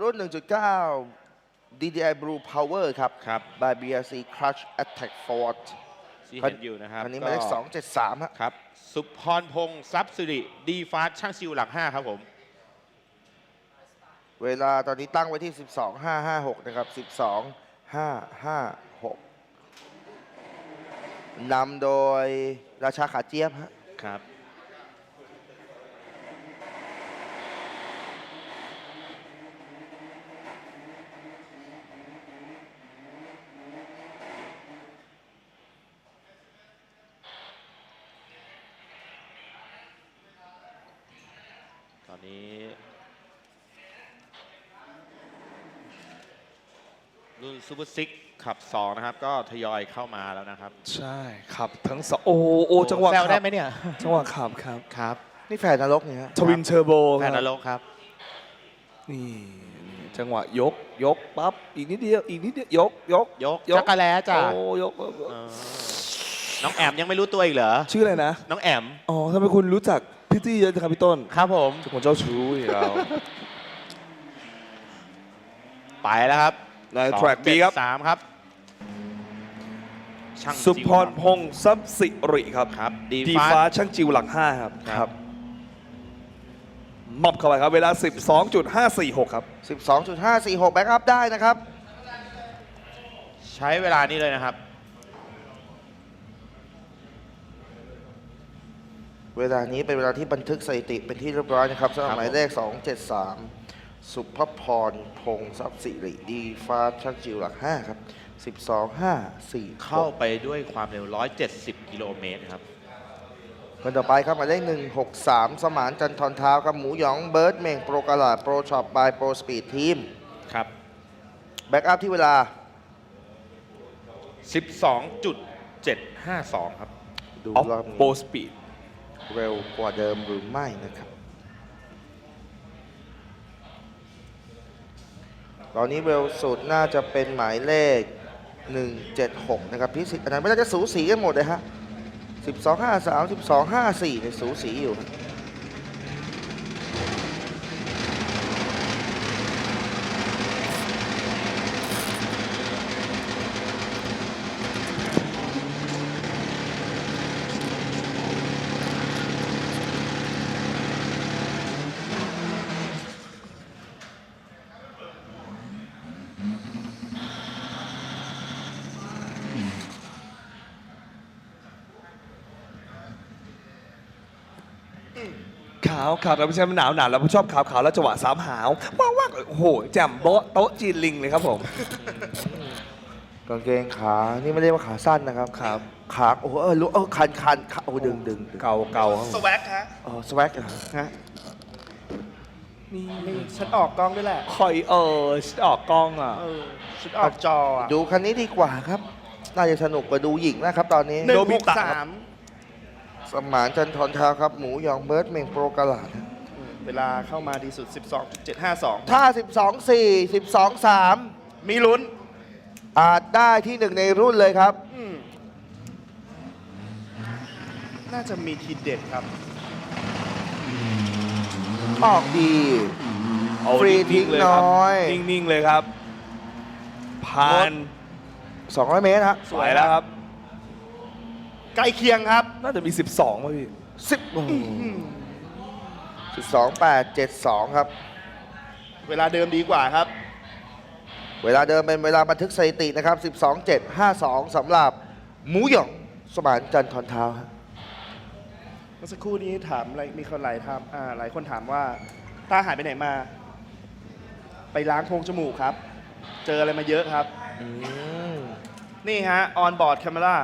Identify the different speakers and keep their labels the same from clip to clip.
Speaker 1: รุ่น 1.9 DDI Blue Power ครับ
Speaker 2: ครับ
Speaker 1: by BRC Crush Attack Forward
Speaker 2: ที่เห็นอยู่นะครับ
Speaker 1: อันนี้หมายเลข273
Speaker 2: ครับ สุพรพงษ์ทรัพย์สิริดีฟาสช่างซิวหลัก 5 ครับผม
Speaker 1: เวลาตอนนี้ตั้งไว้ที่ 12.556 นะครับ 12.556 นำโดยราชาขาเจี๊ยบฮะ
Speaker 2: ครับ ตอนนี้ รุ่นซูเปอร์ซิกขับ 2 นะครับ ก็ทยอยเข้ามาแล้วนะครับ
Speaker 3: ใช่ขับทั้งสองโอ้จังหวะ
Speaker 2: แซวได้
Speaker 3: ขับ
Speaker 2: ไหมเนี่ย
Speaker 3: จังหวะขับครับ
Speaker 2: ครับ
Speaker 1: นี่แฝดนรกเนี่ยฮะ
Speaker 3: ทวินเทอร์โบ
Speaker 2: แฟนนรกครับ
Speaker 3: นี่จังหวะยกปั๊บอีกนิดเดียวยก
Speaker 2: ยกจักรแล้จ้ะ
Speaker 3: โอ้ยก
Speaker 2: น้องแอมยังไม่รู้ตัวอีกเหรอ
Speaker 3: ชื่ออะไรนะ
Speaker 2: น้องแอม
Speaker 3: อ๋อทำไมคุณรู้จักพี่ตี้เยอะจังครับพี่ต้น
Speaker 2: ครับผม
Speaker 3: เป็นคนเจ้าชู้อีกแล้ว
Speaker 2: ไปแล้วครับ
Speaker 3: ใน track B ครับ
Speaker 2: 3 ครับ ช่าง
Speaker 3: สุพรพงษ์ทรัพย์สิริครับ
Speaker 2: ครับ
Speaker 3: ดี
Speaker 2: ดีฟ้า
Speaker 3: ฟ้าช่างจิวหลัก 5 ครับ
Speaker 2: ครับ
Speaker 3: มอบเข้าไปครับเวลา 12.546 ครับ
Speaker 1: 12.546 แบ็กอัพได้นะครับ
Speaker 2: ใช้เวลานี้เลยนะครับ
Speaker 1: เวลานี้เป็นเวลาที่บันทึกสถิติเป็นที่เรียบร้อยนะครับสำหรับหมายเลข 273 สุภพรพงษ์ทรัพย์สิริดีฟ้าช่างจิวหลัก 5 ครับ 12.546
Speaker 2: เข้าไปด้วยความเร็ว 170 กิโลเมตรครับ
Speaker 1: คนต่อไปครับหมายเลข163 สมานจันทร์เท้าครับหมูหยองเบิร์ดเม่งโปรกาลาดโปรช็อปบายโปรสปีดทีม
Speaker 2: ครับ
Speaker 1: แบ็กอัพที่เวลา
Speaker 2: 12.752 ครับ
Speaker 1: ดู
Speaker 3: ออฟ
Speaker 1: รอบ
Speaker 3: โปร
Speaker 1: นี้
Speaker 3: สปีด
Speaker 1: เร็วกว่าเดิมหรือไม่นะครับ ตอนนี้เร็วสุดน่าจะเป็นหมายเลข 176 นะครับพิสิทธิ์อันนั้นไม่น่าจะสูสีกันหมดเลยฮะ 12.53 12.54เนี่ยสูสีอยู่
Speaker 3: ขาวแล้วไม่ใช่มันหนาวแล้วผมชอบขาวแล้วจังหวะสามหาวว้าวโอ้โหแจ่มโต๊ะจีนลิงเลยครับผม
Speaker 1: กางเกงขา นี่ไม่ได้ว่าขาสั้นนะครับ
Speaker 3: ครับ
Speaker 1: ขาโอ้โหรู้คันขาโอ้ดึง
Speaker 3: เก่าครับ
Speaker 4: สวักฮะ
Speaker 1: สวักฮะ
Speaker 4: นี่ฉันออกกล้องด้วยแหละ
Speaker 3: คอยออกกล้องอ่ะ
Speaker 4: ฉันออกจออ่ะ
Speaker 1: ดูคันนี้ดีกว่าครับ น่าจะสนุกกว่าดูหญิงนะครับตอนนี้
Speaker 4: 163
Speaker 1: สมานจันทร์เท้าครับ หมูหยองเบิร์ดเม่งโปรกาลาด
Speaker 4: เวลาเข้ามาดีสุด 12.752
Speaker 1: ถ้า 12.4 12.3
Speaker 4: มีลุ้น
Speaker 1: อาจได้ที่หนึ่งในรุ่นเลยครับ
Speaker 4: น่าจะมีทีเด็ดครับ
Speaker 1: ออกดี
Speaker 3: เอา
Speaker 1: ฟรีทิ้ง
Speaker 3: เลยครับ
Speaker 1: น้อย
Speaker 3: นิ่งๆเลยครับผ่าน
Speaker 1: 200 เมตรฮะ
Speaker 3: สวยแล้วครับ
Speaker 4: ใกล้เคียงครับ
Speaker 3: น่าจะมี 12ป่ะพี่
Speaker 1: 12.872 ครับ
Speaker 4: เวลาเดิมดีกว่าครับ
Speaker 1: เวลาเดิมเป็นเวลาบันทึกสถิตินะครับ 12.752 สำหรับหมูหยองสมานจันทร์เท้าครับ
Speaker 4: เมื่อสักครู่นี้ถามอะไรมีคนหลายคนถามว่าต้าหายไปไหนมา ไปล้างโพรงจมูกครับ เจออะไรมาเยอะครับ นี่ฮะ ออนบอร์ดแคม e รา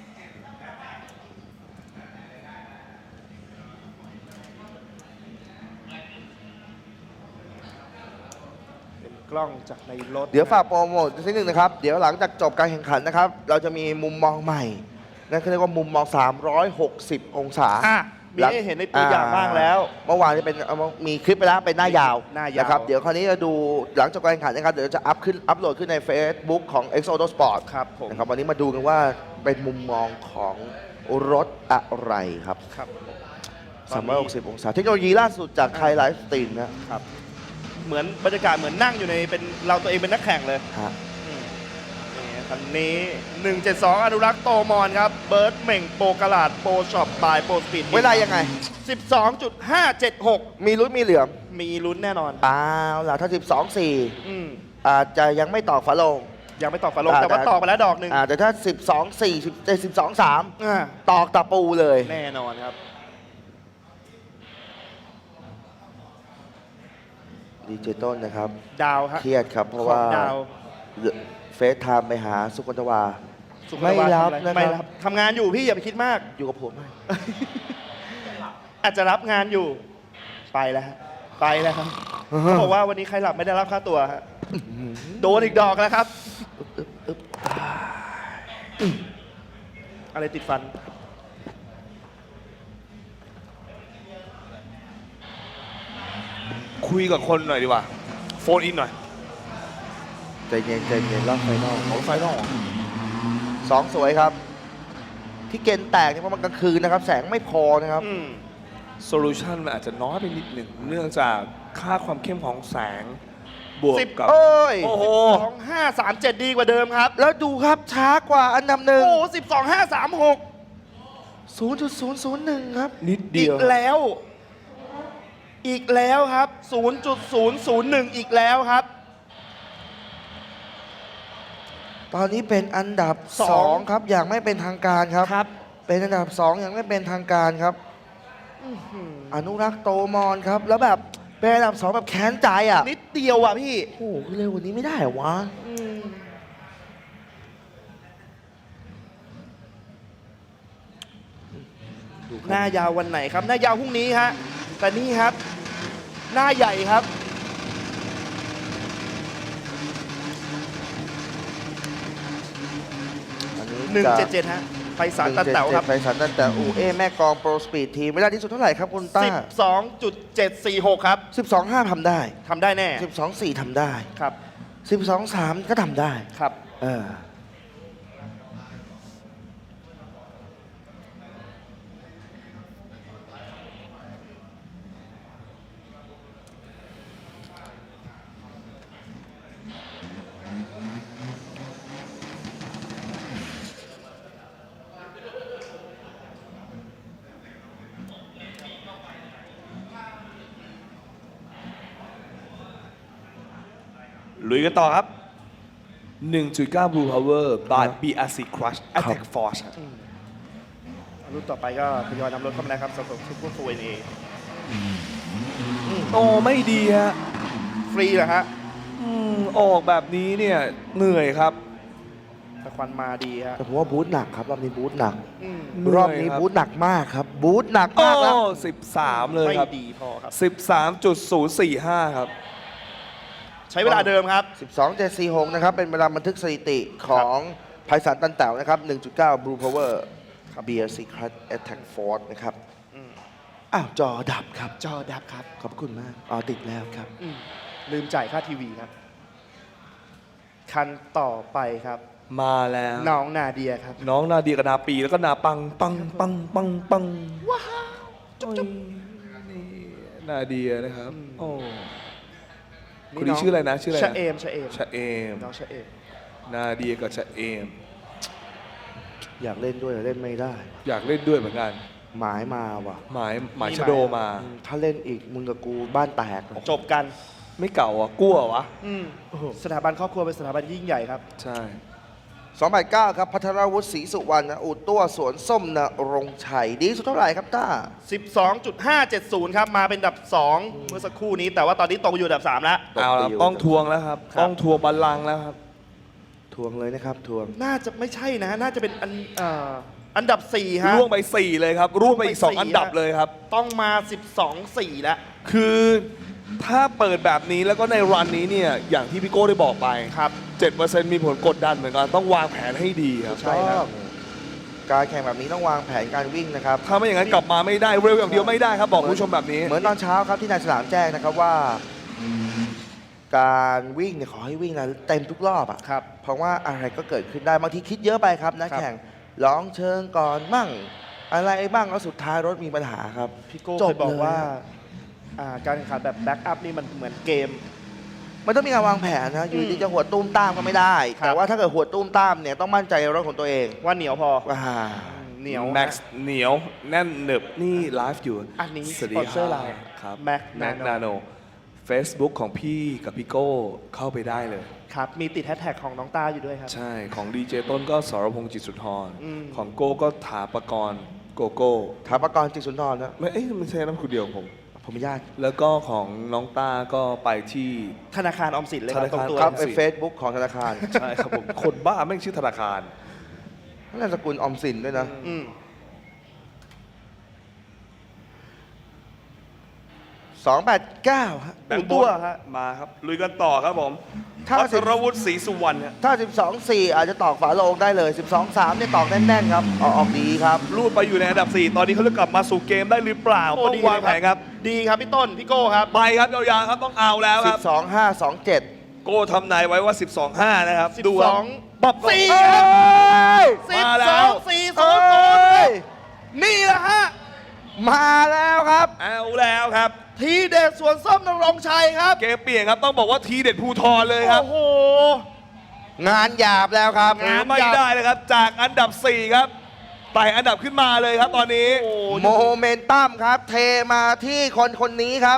Speaker 4: เป็นกล้องจากในรถ
Speaker 1: เดี๋ยวฝากโปรโมทนิดนึงนะครับ เดี๋ยวหลังจากจบการแข่งขันนะครับ เราจะมีมุมมองใหม่ นั่นคือเรียกว่ามุมมอง 360 องศา
Speaker 4: มีให้เห็นในตัวอย่างบ้างแล้ว
Speaker 1: เมื่อวานจะเป็นมีคลิปไปแล้วเป็นหน้ายาว
Speaker 4: หน้ายาว
Speaker 1: นะครับ เดี๋ยวคราวนี้จะดูหลังจากการแข่งขันนะครับ เดี๋ยวจะอัพโหลดขึ้นใน Facebook ของ X Auto Sport
Speaker 4: ครับผม
Speaker 1: นะครับวันนี้มาดูกันว่าเป็นมุมมองของรถอะไรครับ
Speaker 4: ครับ
Speaker 1: 360 องศา เทคโนโลยีล่าสุดจากไทยไลฟ์สตรีมนะครับ
Speaker 4: เหมือนบรรยากาศเหมือนนั่งอยู่ในเป็นเราตัวเองเป็นนักแข่งเลย
Speaker 1: ฮะ
Speaker 4: นี่คันนี้ 172 อนุรักษ์โตมอนครับ เบิร์ดเหม่งโปรกระลาดโปรช็อปบายโปรสปีด
Speaker 1: เวลายังไง
Speaker 4: 12.576
Speaker 1: มีลุ้นมีเหลือม
Speaker 4: มีลุ้นแน่นอน
Speaker 1: อ้าวล่ะถ้า
Speaker 4: อืม
Speaker 1: 12-4 อาจจะยังไม่ตอกฝาโลง
Speaker 4: ยังไม่ตอกฝาโลง
Speaker 1: อ่า
Speaker 4: แต่ว่า
Speaker 1: แต่
Speaker 4: ตอกไปแล้วดอกหนึ่ง
Speaker 1: แต่ถ้า 12-4 12-3
Speaker 4: อ่า
Speaker 1: ตอกตะปูเลย
Speaker 4: แน่นอนครับ
Speaker 1: ดีเจต้นนะครับ
Speaker 4: ดาวฮะ
Speaker 1: เครียดครับ เพราะ
Speaker 4: ขอ
Speaker 1: ว่าง
Speaker 4: ดาว
Speaker 1: เฟซไทม์ไปหาสุกนทวา
Speaker 4: สุข
Speaker 1: ไม่
Speaker 4: ภาพ
Speaker 1: รับ
Speaker 4: ทำอะ
Speaker 1: นะครับ
Speaker 4: ไม่รับทำงานอยู่พี่อย่าไปคิดมาก
Speaker 1: อยู่กับผมไหม
Speaker 4: อาจจะรับงานอยู่ ไปแล้วฮะไปแล้วครับเขาบอกว่าวันนี้ใครหลับไม่ได้รับค่าตัวฮะโดนอีกดอกแล้วครับ อะไรติดฟัน
Speaker 3: คุยกับคนหน่อยดีกว่า โฟนอินหน่อย
Speaker 1: ใจเย็นใจเย็นรอบไฟนอล
Speaker 3: ของไฟนอล
Speaker 1: สองสวยครับ ที่เกณฑ์แตกเนี่ยเพราะมันกลางคืนนะครับ แสงไม่พอนะครับ
Speaker 4: อืม
Speaker 3: โซลูชันมันอาจจะน้อยไปนิดหนึ่งเนื่องจากค่าความเข้มของแสง บวกกับ
Speaker 1: เอ้ย
Speaker 3: โอ้โห
Speaker 4: 2537 ดีกว่าเดิมครับ
Speaker 1: แล้วดูครับช้ากว่าอันดับหนึ่ง
Speaker 4: โอ้12536
Speaker 1: 0.001 ครับ
Speaker 3: นิด
Speaker 4: อี
Speaker 3: เดีย
Speaker 4: ก
Speaker 3: ว
Speaker 4: แล้ว อีกแล้วครับ 0.001 อีกแล้วครับ
Speaker 1: ตอนนี้เป็นอันดับ
Speaker 4: สอง
Speaker 1: 2 ครับ อย่างไม่เป็นทางการครับ
Speaker 4: ครับ
Speaker 1: เป็นอันดับ 2 อย่างไม่เป็นทางการครับ อนุรักษ์โตมอนครับ แล้วแบบเป็นอันดับ 2 แบบแค้นใจอ่ะ
Speaker 4: นิดเดียวอ่ะพี่
Speaker 1: โอ้โหเร็วกว่านี้ไม่ได้เหรอวะ
Speaker 4: หน้ายาววันไหนครับ หน้ายาวพรุ่งนี้ฮะ แต่นี่ครับ หน้าใหญ่ครับ
Speaker 1: อันนี้จะ
Speaker 4: 177 ฮะ ไปสารตันเต๋าครับ
Speaker 1: ไปสารตันเต๋าอูเอ้แม่กลองโปรสปีดทีมเวลาที่สุดเท่าไหร่ครับคุณต้า
Speaker 4: 12.746 ครับ
Speaker 1: 12.5 ทำได้
Speaker 4: ทำได้แน่
Speaker 1: 12.4 ทำได้
Speaker 4: ครับ
Speaker 1: 12.3 ก็ทำได้
Speaker 4: ครับ
Speaker 1: เออ
Speaker 3: ลุยกันต่อครับ 1.9 Blue Power by BRC Crush Attack Force ครับ
Speaker 4: รุ่นต่อไปก็ทยอยนำรถเข้ามาแล้วครับสำหรับซุปเปอร์โฟร์เอ
Speaker 3: โอ้ไม่ดีฮะ
Speaker 4: ฟรีเหรอฮะ
Speaker 3: ออกแบบนี้เนี่ยเหนื่อยครับ
Speaker 4: แต่ควันมาดีฮะ
Speaker 1: แต่ผมว่าบูธหนักครับ รอบนี้บูธหนัก
Speaker 4: อืม
Speaker 3: เหนื่อย
Speaker 1: รอบนี้
Speaker 3: ครับ
Speaker 1: บูธหนักมากครับ บูธหนัก
Speaker 3: โอ้
Speaker 1: มากแล้ว
Speaker 3: 13 เลย
Speaker 4: ไม่
Speaker 3: ครับ
Speaker 4: ดีพอครับ
Speaker 3: 13.045 ครับ
Speaker 4: ใช้เวลาเดิมครับ
Speaker 1: 12.746 นะครับ เป็นเวลาบันทึกสถิติของไพศาลตันเต๋านะครับ 1.9 Blue Power BRC Crush Attack Force นะครับ
Speaker 4: อืม
Speaker 1: อ้าว จอดับครับ
Speaker 4: จอดับครับ
Speaker 1: ขอบคุณมาก อ๋อ ติดแล้วครับ
Speaker 4: อืมลืมจ่ายค่าทีวีครับ คันต่อไปครับ
Speaker 3: มาแล้ว
Speaker 4: น้องนาเดียครับ
Speaker 3: น้องนาเดียกับนาปีแล้วก็นาปังปังปังปังปังว้าวจุ๊บจุ๊บนี่นาเดียนะครับ โอ้คนนี้ชื่ออะไรนะชื่ออะไรนะ
Speaker 4: ชะเอม ชะเอม
Speaker 3: ชะเอม
Speaker 4: น้องชะเอม
Speaker 3: นาเดียกับชะเอม
Speaker 1: อยากเล่นด้วยแต่เล่นไม่ได้
Speaker 3: อยากเล่นด้วยเหมือนกัน
Speaker 1: หมายมาว่ะ
Speaker 3: หมายชะโดมา
Speaker 1: ถ้าเล่นอีกมึงกับกูบ้านแตกนะ
Speaker 4: จบกัน
Speaker 3: ไม่เก่าอ่ะกลัววะ
Speaker 4: อืมสถาบันครอบครัวเป็นสถาบันยิ่งใหญ่ครับ
Speaker 3: ใช่
Speaker 1: 2.9 ครับ พัทรวุฒิศรีสุวรรณอู่ตัวสวนส้มนรงค์ชัย ดีสุดเท่าไหร่ครับต้า
Speaker 4: 12.570 ครับ มาเป็นอันดับ 2 เมื่อสักครู่นี้ แต่ว่าตอนนี้ตกอยู่อันดับ 3 แล้ว
Speaker 3: เอาละต้องทวงแล้วครับ
Speaker 4: ครับ
Speaker 3: ต้องทวงบัลลังก์แล้วครับ
Speaker 1: ทวงเลยนะครับ ทวง
Speaker 4: น่าจะไม่ใช่นะ น่าจะเป็นอันดับ 4 ฮะ
Speaker 3: ร่วงไป 4 เลยครับ ร่วงไปอีก
Speaker 4: ร่วงไป
Speaker 3: 2 อันดับ
Speaker 4: 4
Speaker 3: เลยครับ
Speaker 4: ต้องมา 12.4 แล้ว
Speaker 3: คือถ้าเปิดแบบนี้แล้วก็ในรันนี้เนี่ย อย่างที่พี่โก้ได้บอกไป
Speaker 4: ครับ
Speaker 3: 7% มีผลกดดันเหมือนกัน ต้องวางแผนให้ดีครับ
Speaker 4: ใช่ครับ
Speaker 1: การแข่งแบบนี้ต้องวางแผนการวิ่งนะครับ
Speaker 3: ถ้าไม่อย่างนั้นกลับมาไม่ได้ เร็วอย่างเดียวไม่ได้ครับ บอกคุณผู้ชมแบบนี้
Speaker 1: เหมือนตอนเช้าครับที่นายฉลามแจ้งนะครับว่า การวิ่งเนี่ยขอให้วิ่งนะเต็มทุกรอบอ่ะ
Speaker 4: ครับ
Speaker 1: เพราะว่าอะไรก็เกิดขึ้นได้บางทีคิดเยอะไปครับนะครับ แข่งร้องเชิงก่อนมั่ง อะไรบ้างแล้วสุดท้ายรถมีปัญหาครับ
Speaker 4: พี่โก้
Speaker 1: จ
Speaker 4: เค
Speaker 1: บ
Speaker 4: ยบอก
Speaker 1: เลย
Speaker 4: ว่าการแข่งขันแบบแบ็กอัพนี่มันเหมือนเกม
Speaker 1: มันต้องมีการวางแผนนะอยู่ดีจะหัวตุ้มตามก็ไม่ได้
Speaker 4: ครับ
Speaker 1: แต่ว่าถ้าเกิดหัวตุ้มตามเนี่ยต้องมั่นใจในรถของตัวเอง
Speaker 4: ว่าเหนียวพอ
Speaker 1: ว่า
Speaker 4: เหนียว
Speaker 3: แม็กซ์เหนียวแน่นหนึบนี่ไลฟ์อยู่
Speaker 4: อันนี้
Speaker 3: สวัสดี
Speaker 4: สปอนเซอร์เรา
Speaker 3: ครับ
Speaker 4: Mac
Speaker 3: แม็ก
Speaker 4: Nano
Speaker 3: นาโน Facebook ของพี่กับพี่โก้เข้าไปได้เลย
Speaker 4: ครับ มีติดแฮชแท็กของน้องต้าอยู่ด้วยครับ
Speaker 3: ใช่ของดีเจต้นก็สรพงษ์จิตสุนทร
Speaker 4: อืม
Speaker 3: ของโก้ก็ถาปกรณ์โกโก้
Speaker 1: ถาปกรณ์จิตสุนทรนะ
Speaker 3: ไม่เอ้ยไม่ใช่น้ำคุณเดียวผม
Speaker 1: ผมญาติ
Speaker 3: แล้วก็ของน้องต้าก็ไปที่
Speaker 4: ธนาคารออมสินเลยครับ
Speaker 3: ธนาคาร
Speaker 4: ตรงตัว
Speaker 1: ครับ
Speaker 3: ออม
Speaker 1: ใน
Speaker 3: สิน
Speaker 1: เฟซบุ๊กของธนาคาร
Speaker 3: ใช่ครับผม คนบ้าแม่งชื่อธนาคาร
Speaker 1: นามสกุลออมสินด้วยนะ
Speaker 4: อืม
Speaker 1: 289ฮะ
Speaker 3: แบงค์
Speaker 4: ตัวฮะ
Speaker 3: มาครับ ลุยกันต่อครับผม
Speaker 1: ถ้า
Speaker 3: วัชรวุฒิศรีสุวรรณฮะ
Speaker 1: ถ้า 12-4 อาจจะตอกฝาโลงได้เลย 12-3 เนี่ยตอกแน่นๆครับออกดีครับ
Speaker 3: ลูดไปอยู่ในอันดับ 4 ตอนนี้เขาจะกลับมาสู่เกมได้หรือเปล่า
Speaker 4: โอ้
Speaker 3: ต้อง
Speaker 4: ดี
Speaker 3: วางแผนครับ
Speaker 4: ดีครับพี่ต้น พี่โก้ครับ
Speaker 3: ไปครับยาวๆครับต้องเอาแล้วครับ
Speaker 1: 12-5-2-7
Speaker 3: โก้ทำนายไว้ว่า 12-5 นะครับ ดูครับ
Speaker 4: 12
Speaker 3: ปับ
Speaker 4: สี่
Speaker 1: เอ้ย
Speaker 3: มาแล้ว
Speaker 4: 12 4
Speaker 1: เอ้ย
Speaker 4: 0 นี่แหละฮะ
Speaker 1: มาแล้วครับ
Speaker 3: เอาแล้วครับ
Speaker 4: ทีเด็ดสวนส้มนรงค์ชัยครับ
Speaker 3: เกมเปลี่ยนครับต้องบอกว่าทีเด็ดภูทรเลยครับ
Speaker 4: โอ้โห
Speaker 1: งานหยาบแล้วครับ
Speaker 3: หาไม่ได้เลยครับ จากอันดับ 4 ครับไต่อันดับขึ้นมาเลยครับตอนนี้
Speaker 1: โมเมนตัมครับ เทมาที่คนนี้ครับ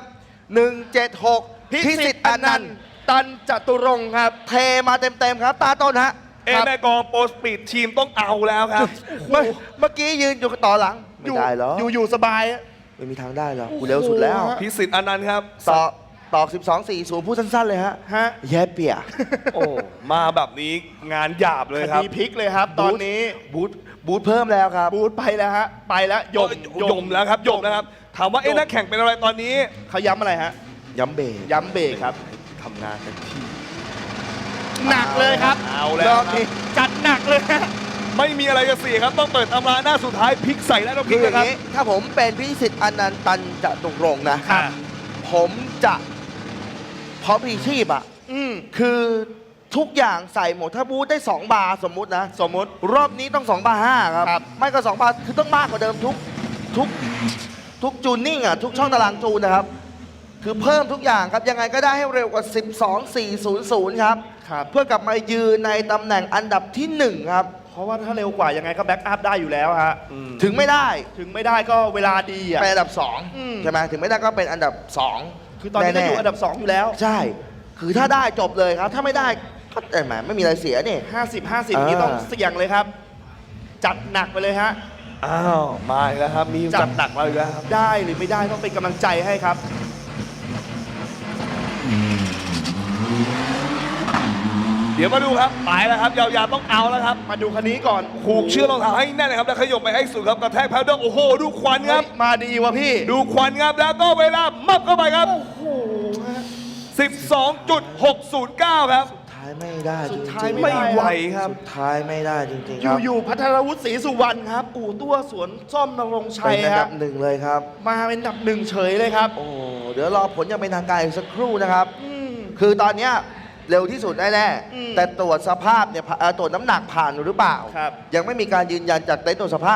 Speaker 1: 176 พิสิทธิ์อนันต์
Speaker 4: ตันจตุรงค์ครับ
Speaker 1: เทมาเต็มๆครับ ตาต้นฮะ
Speaker 3: เอแม่กองโปรสปีดทีมต้องเอาแล้วครับ
Speaker 1: เมื่อกี้ยืนอยู่ต่อหลัง ไม่ได้เหรอ
Speaker 4: อยู่สบายอะ
Speaker 1: ไม่มีทางได้หรอกกูเร็วสุดแล้ว
Speaker 3: พิสิทธิ์อนันต์ครับ
Speaker 1: ตอก 12-4 พูดสั้นๆเลยฮะ
Speaker 4: ฮะ
Speaker 1: แย่เปีย
Speaker 3: โอ้มาแบบนี้งานหยาบเลย
Speaker 4: ค
Speaker 3: ครับ
Speaker 4: ดีพลิกเลยครับ ตอนนี้
Speaker 1: บูทเพิ่มแล้วครับ
Speaker 4: บูธไปแล้วฮะ ไปแล้วยม
Speaker 3: ยมแล้วครับยมแล้วครับ ถามว่าเอ๊ะนักแข่งเป็นอะไรตอนนี้
Speaker 4: เขาย้ำอะไรฮะ
Speaker 1: ย้ำเบรก
Speaker 4: ย้ำเบรกครับ
Speaker 3: ทำงานเต็มที่
Speaker 4: หนักเลยครับ
Speaker 3: เอาแล้ว
Speaker 4: รอบนี้จัดหนักเลยฮะ
Speaker 3: ไม่มีอะไรจะเสียครับ ต้องเปิดตำราหน้าสุดท้ายพลิกใส่แล้วต้องพ
Speaker 1: คื
Speaker 3: ลิ
Speaker 1: อก อย่าง
Speaker 3: นะครับ
Speaker 1: นี้ ถ้าผมเป็นพิสิทธิ์อนันต์ตันจะตรงรงค์นะ
Speaker 3: ครับ
Speaker 1: ผมจะพร้อมพลีชีพอ่ะ
Speaker 4: อืม
Speaker 1: คือทุกอย่างใส่หมด ถ้าบูธได้ 2 บาร์สมมุตินะ
Speaker 4: สมมติ
Speaker 1: รอบนี้ต้อง 2 บาร์ 5 ครับ
Speaker 4: ครับ
Speaker 1: ไม่ก็ 2 บาร์ คือต้องมากกว่าเดิมทุกจูนนิ่งอ่ะ ทุกช่องตารางจูนนะครับ คือเพิ่มทุกอย่างครับ ยังไงก็ได้ให้เร็วกว่า 12-400 ครับ
Speaker 4: ครับ
Speaker 1: เพื่อกลับมายืนในตำแหน่งอันดับที่ 1 ครับ
Speaker 4: เพราะว่าถ้าเร็วกว่ายังไงก็แบ็กอัพได้อยู่แล้วฮะ
Speaker 1: ถึงไม่ได้
Speaker 4: ถึงไม่ได้ก็เวลาดีอ่ะ
Speaker 1: เป็นอันดับ
Speaker 4: อืม
Speaker 1: 2 ใช่ไหมถึงไม่ได้ก็เป็นอันดับ 2
Speaker 4: คือตอนนี้ก็อยู่อันดับ 2 อยู่แล้ว
Speaker 1: ใช่ คือถ้าได้จบเลยครับ ถ้าไม่ได้ก็แต่แหมไม่มีอะไรเสียนี่
Speaker 4: 50-50 นี่ต้องเสี่ยงเลยครับ จัดหนักไปเลยฮะ
Speaker 3: อ้าวมาอีกแล้วครับ มี
Speaker 4: จัด
Speaker 3: จัดหนักมาอีกแล้วครับ
Speaker 4: ได้หรือไม่ได้ต้องเป็นกำลังใจให้ครับ
Speaker 3: เดี๋ยวมาดูครับไปแล้วครับยาวๆต้องเอาแล้วครับ
Speaker 4: มาดูคันนี้ก่อน
Speaker 3: ผูกเชือกรองเท้าให้แน่นนะครับแล้วขยบไปให้สุดครับกระแทกแพดเดิลโอ้โหดูควันครับ
Speaker 4: เฮ้ยมาดีวะพี่
Speaker 3: ดูควันครับแล้วก็เวลามับเข้าไปครับ
Speaker 4: โอ้โหฮะ
Speaker 3: 12.609 ครับ
Speaker 1: สุดท้ายไม่ได้จ
Speaker 4: สุ
Speaker 1: ริ
Speaker 4: ด
Speaker 1: ง
Speaker 4: ท้าย
Speaker 1: ๆ
Speaker 3: ไม่ไหวครับ
Speaker 1: สุดท้ายไม่ได้จริงๆครับ
Speaker 4: อยู่ๆพัทรวุฒิศรีสุวรรณครับ อู่ตัวสวนส้มนรงค์ชั
Speaker 1: เป็
Speaker 4: ย
Speaker 1: นอัน
Speaker 4: ค
Speaker 1: ดั
Speaker 4: รั
Speaker 1: บบ 1เลยครับ
Speaker 4: มาเป็นอันดับ 1 เฉยเลยครับ
Speaker 1: โอ้ เดี๋ยวรอผลยังเป็นทางการอีกสักครู่นะครับ
Speaker 4: อืม
Speaker 1: คือตอนเนี้ยเร็วที่สุดแน่
Speaker 4: อืม
Speaker 1: ๆแต่ตรวจสภาพเนี่ยตรวจน้ำหนักผ่านหรือเปล่า
Speaker 4: ครับ
Speaker 1: ยังไม่มีการยืนยันจากเต็นท์ตรวจสภาพ